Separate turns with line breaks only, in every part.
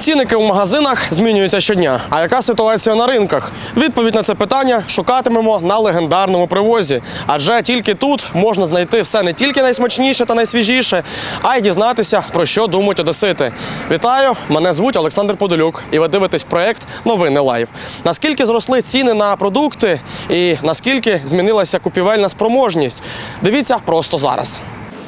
Цінники у магазинах змінюються щодня. А яка ситуація на ринках? Відповідь на це питання шукатимемо на легендарному привозі. Адже тільки тут можна знайти все не тільки найсмачніше та найсвіжіше, а й дізнатися, про що думають одесити. Вітаю! Мене звуть Олександр Подолюк, і ви дивитесь проєкт «Новини Лайв». Наскільки зросли ціни на продукти і наскільки змінилася купівельна спроможність? Дивіться просто зараз.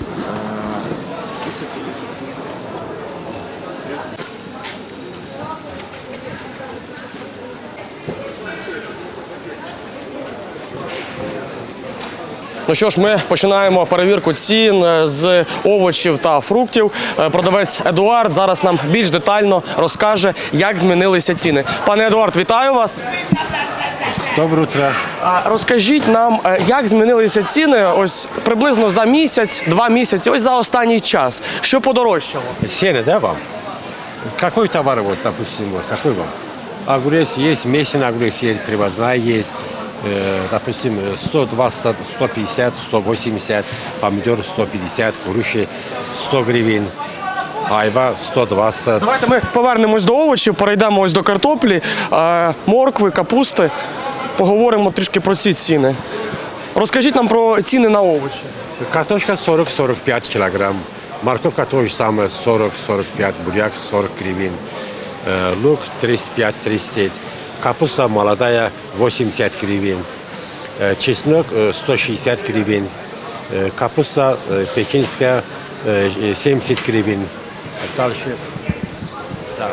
Ну що ж, ми починаємо перевірку цін з овочів та фруктів. Продавець Едуард зараз нам більш детально розкаже, як змінилися ціни. Пане Едуард, вітаю вас.
Доброе утро.
Розкажіть нам, як змінилися ціни ось приблизно за місяць, 2 місяці, ось за останній час. Що подорожчало?
Сено, да, вам? Какой товар, вот, допустим, вот, какой вам? Огурец есть, месячный огурец есть, привозная есть. Допустим, 120, 150, 180, помидор 150, груши 100 гривен, айва 120.
Давайте ми повернемось до овочів, перейдемо ось до картоплі, моркви, капусти. Поговоримо трішки про ці ціни. Розкажіть нам про ціни на овочі.
Картошка 40-45 килограмм, морковка то же самое 40-45, буряк 40 гривен, лук 35-37. Капуста молодая 80 гривен, чеснок 160 гривен, капуста пекинская 70 гривен. Дальше да,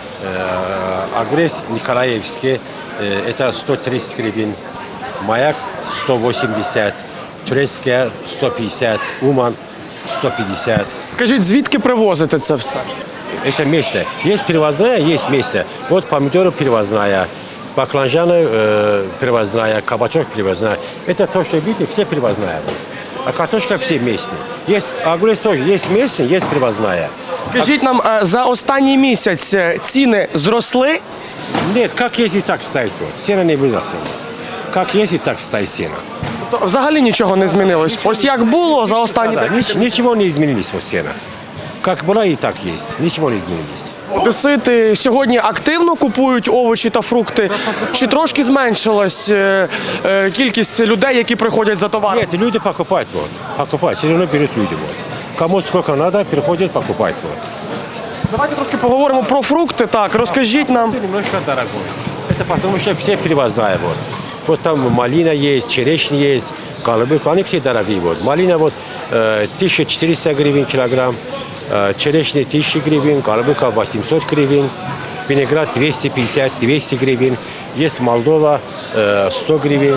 огурец Николаевский это 130 гривен, маяк 180, турецкая 150, уман 150.
Скажіть, звідки привозите це все?
Это место. Есть привозная, есть место. Вот помидоры привозная, баклажаны привозная, кабачок привозная. Это то, что видите, все привозная. А картошка все местные. Есть огурец тоже, есть местный, есть привозная.
Скажіть нам, за останній місяць ціни зросли?
Нет, как есть и так стоит. Вот. Сено не вырастет. Как есть и так стоит сено.
Тобто взагалі нічого не змінилось? Ось як було за останні
Да,
декілька
ничего не изменилось вот сено. Как было и так есть. Ничего не изменилось.
Одесити сьогодні активно купують овочі та фрукти? Чи трошки зменшилась кількість людей, які приходять за товаром?
Нет, люди покупают, вот. Покупают, все равно берут люди, вот. Кому сколько надо, приходят, покупают, вот.
Давайте трошки поговоримо про фрукти. Так, розкажіть нам.
Это немножко дорогой. Это потому что все привозная, вот. Вот там малина есть, черешня есть, голубика, они все дорогие, вот. Малина вот 1400 гривен килограмм, черешня 1000 гривен, голубика 800 гривен, виноград 250-200 гривен, есть Молдова 100 гривен,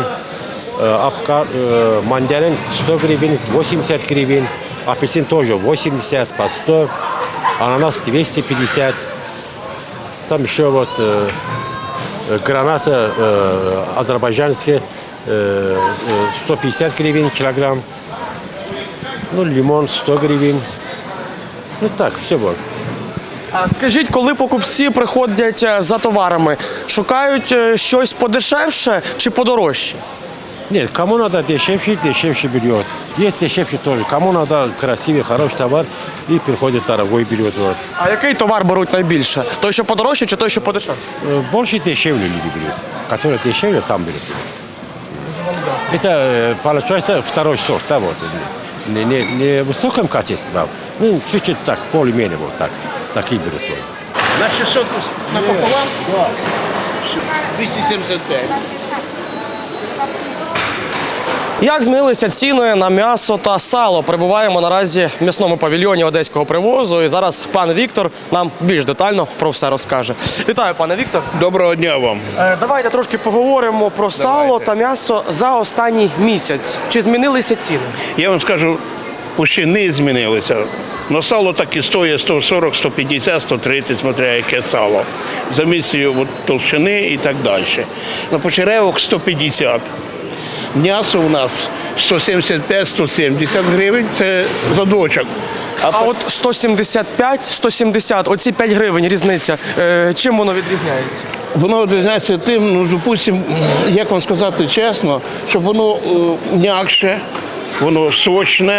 мандарин 100 гривен, 80 гривен, апельсин тоже 80 по 100, ананас 250, там еще вот граната азербайджанская 150 гривен килограмм, ну лимон 100 гривен. Ну так, все вот.
Скажіть, коли покупці приходять за товарами, шукають щось подешевше чи подорожче?
Нет, кому надо дешевше, дешевше берет. Есть дешевше тоже. Кому надо красивый, хороший товар, и приходит дорогой берет. Вот.
А який товар беруть найбільше? Той, що подорожче, чи той, що подешевше?
Больше дешевле люди берут. Которые дешевле, там берут. Это получается второй сорт, да, вот. Не в высоком качестве, ну, чуть-чуть так, более-менее вот так. Такие берут. Вот.
На 600 напополам? Да. 275.
Як змінилися ціни на м'ясо та сало? Перебуваємо наразі в м'ясному павільйоні одеського привозу. І зараз пан Віктор нам більш детально про все розкаже. Вітаю, пане Віктор.
Доброго дня вам.
Давайте трошки поговоримо про сало та м'ясо за останній місяць. Чи змінилися ціни?
Я вам скажу, почти не змінилося. Но сало так і стоїть 140, 150, 130, смотря яке сало. За місцею толщини і так далі. На почеревок 150. М'ясо у нас 175-170 гривень, це задочок.
А от 175, 170, оці 5 гривень різниця, чим воно відрізняється?
Воно відрізняється тим, ну, допустим, як вам сказати чесно, щоб воно м'якше, воно сочне,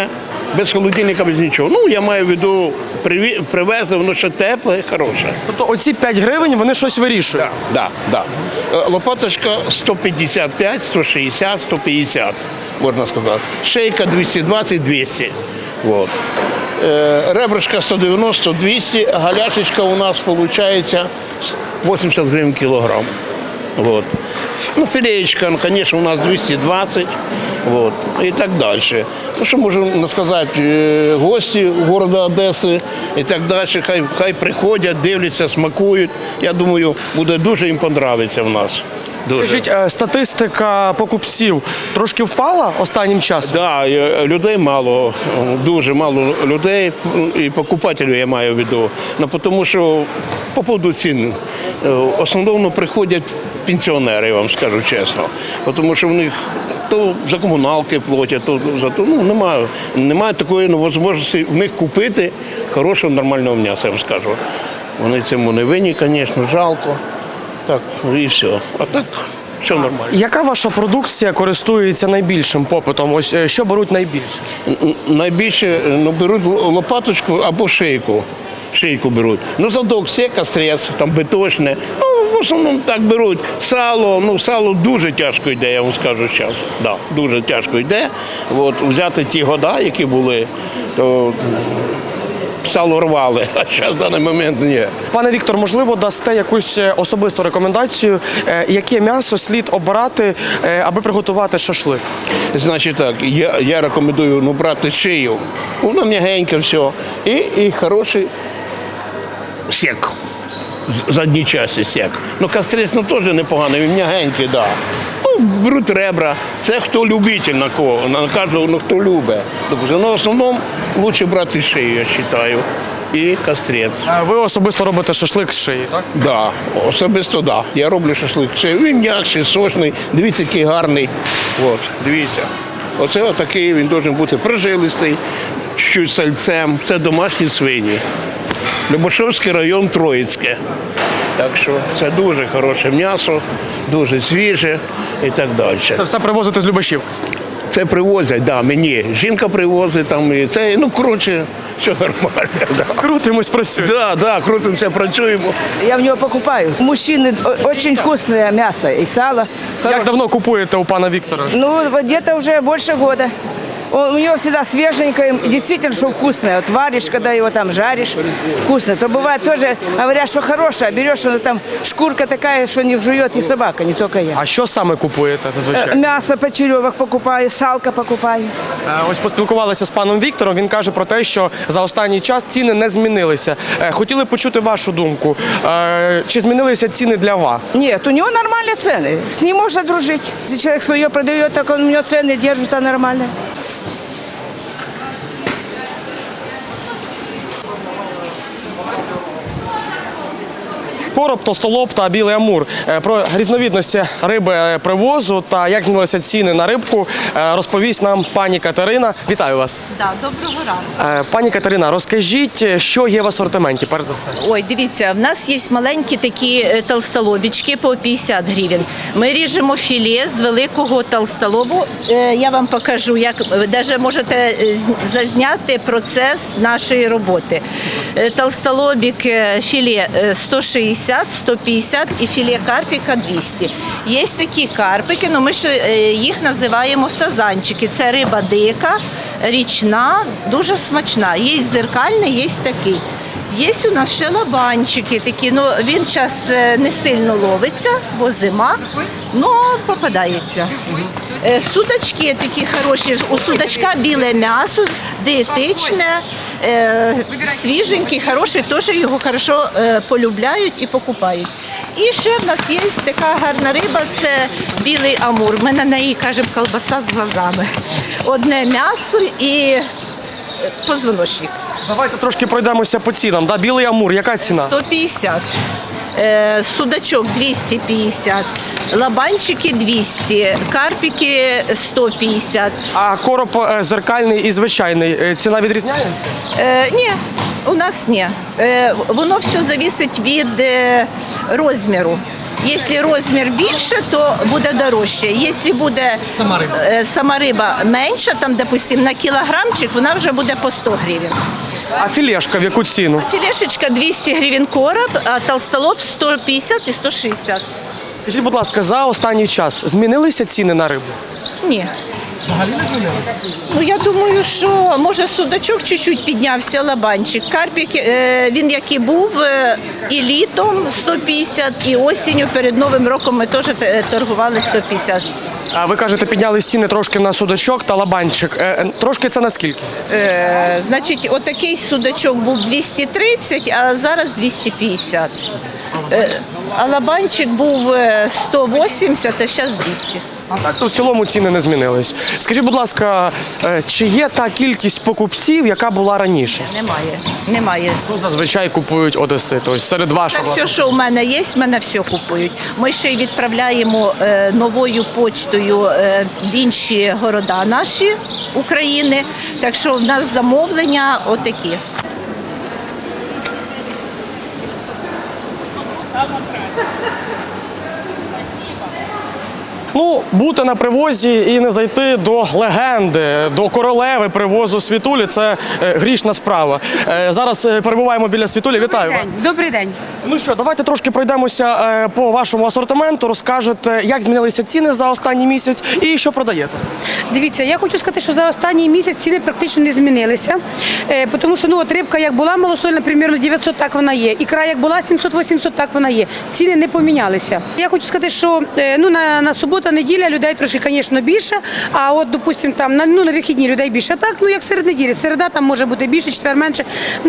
без холодильника, без нічого. Ну, я маю в виду, привезли, воно ще тепле, хороше.
Тобто оці 5 гривень, вони щось вирішують?
Да. Лопаточка 155, 160, 150, можна сказати. Шейка 220-200. Вот. Ребрышко 190, 200, галяшечка у нас виходить 80 гривень кілограм. Вот. Ну, филеечка, ну, конечно, у нас 220, вот, и так дальше. Ну, що можу сказати, гості города Одеси і так далі, хай приходять, дивляться, смакують. Я думаю, буде дуже їм подобається в нас. Дуже.
Скажіть, статистика покупців трошки впала останнім часом?
Да, людей мало, дуже мало людей, і покупателів я маю в виду. Ну, тому що по поводу цін, в основному приходять пенсіонери, я вам скажу чесно. Тому що в них то за комуналки платять, то за то, ну, немає такої можливості в них купити хорошого, нормального м'яса, я вам скажу. Вони цьому не винні, звісно, жалко. Так, і все. А так, все нормально.
Яка ваша продукція користується найбільшим попитом? Ось що беруть найбільше?
Найбільше беруть лопаточку або шийку. Шийку беруть. Ну, задок, сека, стрес, там биточне. Ну, в основному так беруть. Сало, ну, сало дуже тяжко йде, я вам скажу зараз. Да, дуже тяжко йде. От, взяти ті года, які були, то сало рвали, а зараз в даний момент ні.
Пане Віктор, можливо, дасте якусь особисту рекомендацію, яке м'ясо слід обирати, аби приготувати шашлик?
Значить так, я рекомендую брати шию. Воно м'ягеньке все. І хороший сек. Задній часті сек. Ну, кастрец теж непоганий, він м'ягенький, да. Ну, беруть ребра. Це хто любитель на кого, на кожного, хто любить. Ну, в основному краще брати шию, я вважаю. І кастрець.
Ви особисто робите шашлик з шиї, так?
Да, особисто да. Я роблю шашлик. Він м'якший, сочний. Дивіться, який гарний. От, дивіться. Оце отакий, він має бути прожилистий, чуть-чуть сальцем. Це домашні свині. Любашовський район, Троїцьке. Так що це дуже хороше м'ясо, дуже свіже і так далі.
Це все привозите з Любашів?
Це привозять, да, мені. Жінка привозить, там, і це, ну, коротше, все нормально. Да.
Крутимось, працюємо.
Да, крутимося, працюємо.
Я в него покупаю. Мужчины очень вкусное мясо и сало.
Як давно купуєте у пана Віктора?
Ну, вот где-то уже больше года. У него всегда свеженькое, и действительно, что вкусное. Вот варишь, когда его там жаришь, вкусно. То бывает тоже, говорят, что хорошее, а берешь, оно там шкурка такая, что не вжует и собака, не только я.
А що саме купуєте зазвичай?
Мясо почеревок покупаю, салко покупаю.
Ось поспілкувалися з паном Віктором, він каже про те, що за останній час ціни не змінилися. Хотіли почути вашу думку. Чи змінилися ціни для вас?
Нет, у него нормальные цены. С ним можно дружить. Если человек свое продает, так он у него цены держатся нормально.
Короб, товстолоб та білий амур. Про різновідності риби привозу та як змінилися ціни на рибку розповість нам пані Катерина. Вітаю вас.
Да, доброго ранку.
Пані Катерина, розкажіть, що є в асортименті, перш за все?
Ой, дивіться, в нас є маленькі такі толстолобічки по 50 гривень. Ми ріжемо філе з великого толстолобу. Я вам покажу, як навіть можете зазняти процес нашої роботи. Толстолобік філе 160, 150 і філе карпіка 200. Є такі карпики, але ми ще їх називаємо сазанчики. Це риба дика, річна, дуже смачна. Є зеркальний, є такий. Є у нас ще лабанчики такі, ну він час не сильно ловиться, бо зима, але попадається. Судачки такі хороші, у судачка біле м'ясо, дієтичне, свіженький, хороший, теж його хорошо полюбляють і покупають. І ще в нас є така гарна риба, це білий амур. Ми на неї кажемо колбаса з глазами. Одне м'ясо і позвоночник.
Давайте трошки пройдемося по цінам. Да? Білий амур, яка ціна?
150. Судачок 250. Лабанчики 200. Карпики 150.
А короб зеркальний і звичайний, ціна відрізняється?
Ні, у нас ні. Воно все залежить від розміру. Якщо розмір більше, то буде дорожче. Якщо буде сама риба менша, там, допустим, на кілограмчик, вона вже буде по 100 гривень.
А філешка в яку ціну?
Філешечка 200 гривень короб, а толстолоб 150 і 160.
Скажіть, будь ласка, за останній час змінилися ціни на рибу?
Ні. Взагалі не змінилося? Ну, я думаю, що, може, судачок чуть-чуть піднявся, лабанчик. Карпік, він який був і літом 150, і осінню перед Новим роком ми теж торгували 150.
А ви кажете, підняли ціни трошки на судачок та лабанчик. Трошки це наскільки?
Значить, отакий судачок був 230, а зараз 250. А лабанчик був 180, а зараз 200.
Так, то в цілому ціни не змінились. Скажіть, будь ласка, чи є та кількість покупців, яка була раніше?
Немає.
Що зазвичай купують одесити? Ось серед
Та
вашого.
все, що в мене є, в мене все купують. Ми ще й відправляємо новою почтою в інші города наші України. Так що в нас замовлення отакі.
Ну, бути на привозі і не зайти до легенди, до королеви привозу Світулі – це грішна справа. Зараз перебуваємо біля Світулі. Вітаю вас.
Добрий день.
Ну що, давайте трошки пройдемося по вашому асортименту, розкажете, як змінилися ціни за останній місяць і що продаєте.
Дивіться, я хочу сказати, що за останній місяць ціни практично не змінилися. Тому що от рибка як була малосольна, примерно 900, так вона є. Ікра як була 700-800, так вона є. Ціни не помінялися. Я хочу сказати, що на суботу, неділя людей трошки, звісно, більше, а от, допустим, там на вихідні людей більше. А так, як серед неділі. Середа там може бути більше, четвер менше.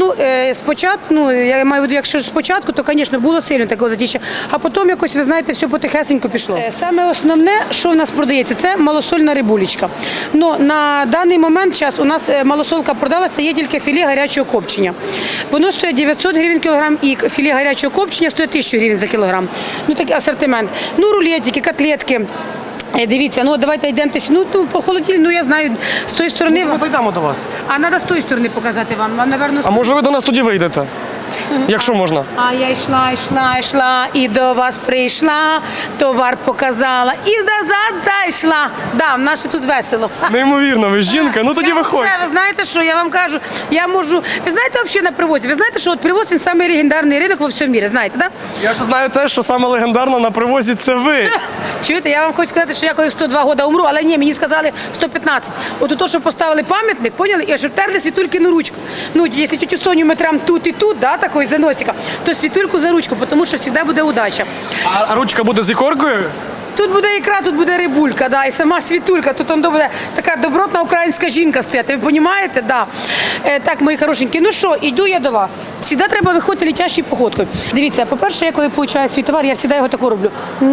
Спочатку, я маю в виду, якщо спочатку, то, звісно, було сильно такого затіща. А потім якось, ви знаєте, все потихесенько пішло. Саме основне, що в нас продається, це малосольна рибулечка. На даний момент у нас малосолка продалася, є тільки філе гарячого копчення. Воно стоїть 900 гривень кілограм, і філе гарячого копчення стоїть 1000 гривень за кілограм. Такий асортимент. Рулетики, котлетки. Дивіться, давайте йдемо по холодильнику, я знаю, з тої сторони.
Ми зайдемо до вас.
А треба з тої сторони показати вам, напевно,
А може ви до нас тоді вийдете? Якщо можна.
А я йшла, і до вас прийшла, товар показала, і назад зайшла. Да, в нас тут весело.
Неймовірно, ви жінка, ну тоді виходьте.
Ви знаєте, що я вам кажу, я можу, ви знаєте взагалі на привозі, ви знаєте, що привоз він самий легендарний ринок во всьому світі, знаєте, так?
Я ще знаю те, що саме легендарно на привозі це ви.
Чуєте, я вам хочу сказати, що я коли 102 роки умру, але ні, мені сказали 115. От то, що поставили пам'ятник, поняли, і щоб терли Світулькину ручку. Якщо тетю Соню ми трам тут і тут, да, такої за носика, то Світульку за ручку, тому що завжди буде удача.
А ручка буде з ікоркою?
Тут буде ікра, тут буде рибулька, да, і сама Світулька, тут буде така добротна українська жінка стояти, ви розумієте? Да. Так, мої хорошенькі, ну що, йду я до вас. Завжди треба виходити летящою походкою. Дивіться, по-перше, я коли получаю свій товар, я завжди його таку роблю.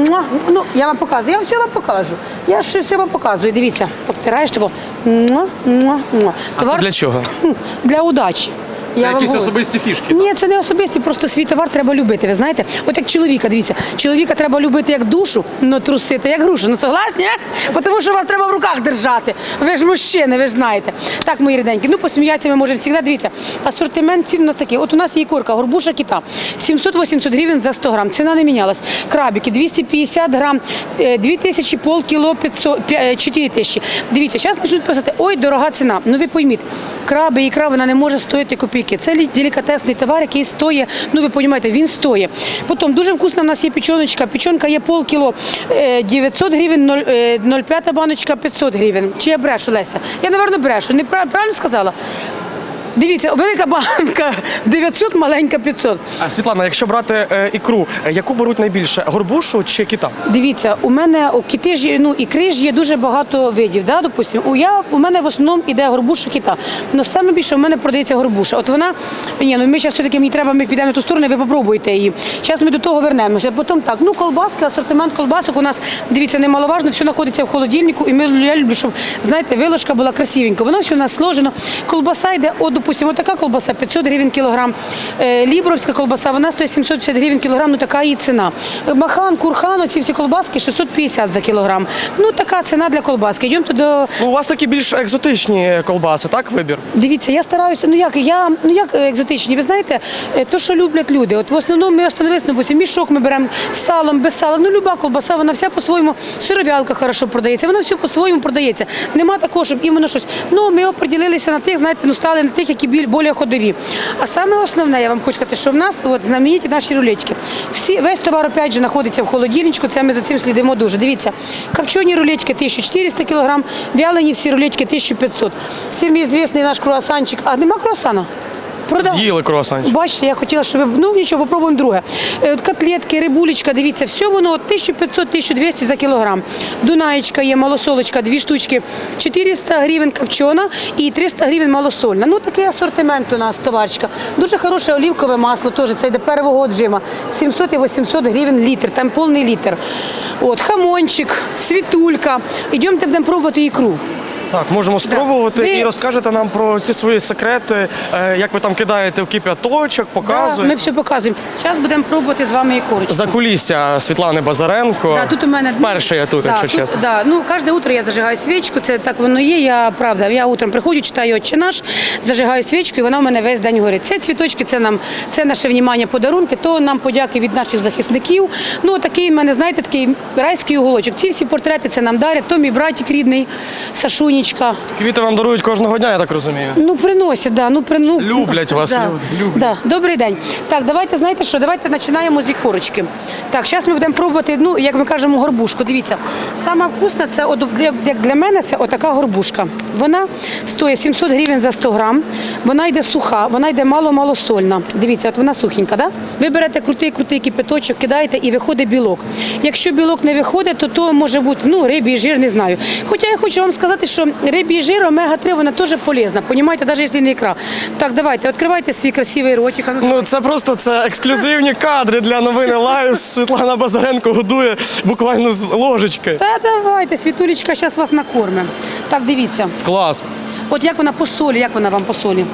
Я вам показую, я все вам покажу. Я ще все вам показую, дивіться, обтираєш тако.
А це для чого?
Для удачі.
Це
Я вам
якісь
говорю.
особисті фішки?
Ні, це не особисті, просто свій товар треба любити, ви знаєте? От як чоловіка, дивіться, чоловіка треба любити як душу, но трусити як грушу. Согласні? Тому що вас треба в руках держати. Ви ж мужчини, ви ж знаєте. Так, мої рідненькі, посміятися ми можемо завжди. Дивіться, асортимент цін у нас такий. От у нас є ікорка, горбуша кита. 700-800 гривень за 100 грам. Ціна не мінялась. Крабики 250 грам, 2000, полкіло, 4000. Дивіться, зараз почнуть писати, ой, дорога ціна. Ви пойміть, краби, ікра, вона не може стоїти копійки. Це делікатесний товар, який стоїть, ви розумієте, він стоїть. Потім дуже вкусна в нас є печоночка. Печонка є полкіло, 900 гривень, 0,5 баночка 500 гривень. Чи я брешу, Леся? Я, мабуть, брешу. Не правильно сказала? Дивіться, велика банка 900, маленька 500.
А, Світлана, якщо брати ікру, яку беруть найбільше, горбушу чи кита?
Дивіться, у мене кити ж, ікри ж є дуже багато видів, да, допустим. У мене в основному йде горбуша кита. Но саме більше у мене продається горбуша. От вона, ми зараз все-таки, ми підемо на ту сторону, ви попробуйте її. Зараз ми до того вернемося. Потім так, колбаски, асортимент колбасок у нас, дивіться, немаловажно, все знаходиться в холодильнику, і я люблю, щоб, знаєте, виложка була красивенька. Воно все у нас сложено. Колбаса йде, допустимо, така колбаса 500 гривень кілограм, лібровська колбаса, вона стоїть 750 гривень кілограм, ну така її ціна. Махан, курхан, оці всі колбаски 650 за кілограм. Ну така ціна для колбаски. Йдемте до...
Ну, у вас такі більш екзотичні колбаси, так, вибір?
Дивіться, я стараюся, як екзотичні, ви знаєте, то, що люблять люди. От в основному ми остановилися, допустим, мішок ми беремо з салом, без сала. Ну, люба колбаса, вона вся по-своєму, сировялка хорошо продається, вона все по-своєму продається. Нема такого, щоб іменно щось. Ну, ми оприділилися на тих, знаєте, ну, стали на тих, які більш ходові. А саме основне, я вам хочу сказати, що в нас от знамениті наші рулетики. Весь товар, опять же, знаходиться в холодильничку, це ми за цим слідимо дуже. Дивіться, копчені рулетики 1400 кг, вялені всі рулетики 1500. Всім відомий наш круасанчик. А нема круасана?
З'їли круасанчик.
Бачите, я хотіла, щоб ви... Ну, нічого, попробуємо друге. От котлетки, рибулечка, дивіться, все воно 1500-1200 за кілограм. Дунаєчка є, малосолочка, 2 штучки, 400 гривень копчена і 300 гривень малосольна. Ну, такий асортимент у нас, товарчика. Дуже хороше олівкове масло, теж, це йде первого отжима. 700 і 800 гривень літр, там повний літр. От, хамончик, світулька. Ідемте, будемо пробувати ікру.
Так, можемо спробувати
Ви-
і розкажете нам про ці свої секрети, як ви там кидаєте в кип'яточок,
Да,
показуєте.
ми все показуємо. Зараз будемо пробувати з вами ікорочку.
Закулісся Світлани Базаренко.
Да, тут у мене
Вперше я тут,
да,
якщо чесно.
Да, ну кожне утро я зажигаю свічку, це так воно є. Я правда, я утром приходжу, читаю «Отче наш», зажигаю свічку, і вона в мене весь день горить. Це цвіточки, це наше внімання, подарунки, то нам подяки від наших захисників. Ну такий в мене, знаєте, такий райський уголочок. Ці всі портрети це нам дарять. То мій братик рідний, Сашунічка.
Квіти вам дарують кожного дня, я так розумію.
Ну приносять, да,
Люблять вас
да,
люди, люблять.
Да. Добрий день. Так, давайте, знаєте що, давайте починаємо з ікорочки. Так, зараз ми будемо пробувати, ну, як ми кажемо, горбушку. Дивіться, сама вкусна, це, як для мене, це отака горбушка. Вона стоїть 700 гривень за 100 грам, вона йде суха, вона йде мало-малосольна. Дивіться, от вона сухенька, да? Ви берете крутий кипяточок, кидаєте і виходить білок. Якщо білок не виходить, то може бути, ну, рибій жир, не знаю. Хоча я хочу вам сказати, що рибій жир, омега-3, вона теж полезна, понімаєте, навіть якщо не ікра. Так, давайте, відкривайте свій красивий ротик.
Ну це просто ексклюзивні кадри для новини Лайв. Світлана Базаренко годує буквально з ложечки.
Та давайте, Світулечка, зараз вас накормимо. Так, дивіться.
Клас.
От як вона по солі, як вона вам по солі?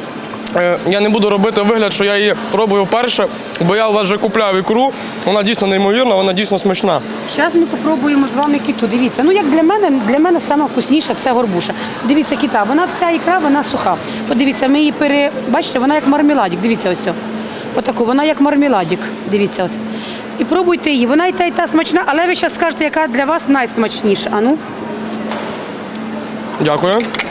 Я не буду робити вигляд, що я її пробую вперше, бо я у вас вже купляв ікру. Вона дійсно неймовірна, вона дійсно смачна.
Зараз ми спробуємо з вами кіту. Дивіться, ну як для мене саме вкусніша це горбуша. Дивіться, кита, вона вся ікра, вона суха. Подивіться, ми її бачите, вона як мармеладик, дивіться ось. Отаку, вона як мармеладик, дивіться от. І пробуйте її, вона і та смачна, але ви зараз скажете, яка для вас найсмачніша. А ну?
Дякую.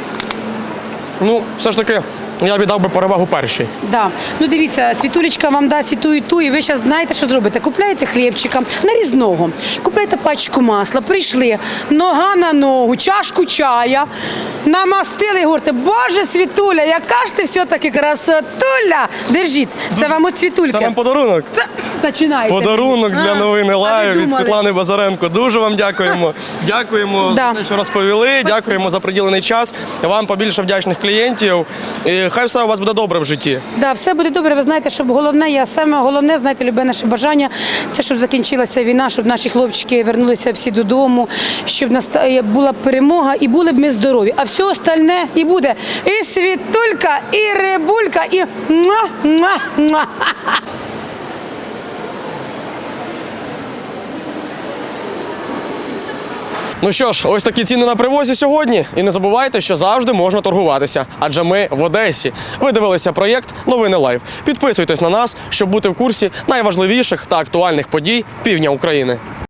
Ну, все ж таки, я віддав би перевагу першій.
Да. Ну дивіться, Світулечка вам дасть і ту, і ви зараз знаєте, що зробите. Купляєте хлібчика нарізного, купляєте пачку масла, прийшли, нога на ногу, чашку чая, намастили і говорите, Боже, Світуля, яка ж ти все-таки красотуля. Держіть, це вам от Світульки.
Це нам подарунок.
Починайте.
Подарунок для новини
а ви
Лайв від
думали?
Світлани Базаренко. Дуже вам дякуємо. Дякуємо
Да.
за те, що розповіли. Дякуємо за приділений час. Вам побільше вдячних клієнтів. І хай все у вас буде добре в житті.
Да, все буде добре. Ви знаєте, щоб саме головне, знаєте, любе наше бажання, це щоб закінчилася війна, щоб наші хлопчики вернулися всі додому, щоб була перемога і були б ми здорові. А все остальне і буде і Світулька, і рибулька, і муа-муа-муа.
Ну що ж, ось такі ціни на привозі сьогодні. І не забувайте, що завжди можна торгуватися. Адже ми в Одесі. Ви дивилися проєкт «Новини Лайв». Підписуйтесь на нас, щоб бути в курсі найважливіших та актуальних подій півдня України.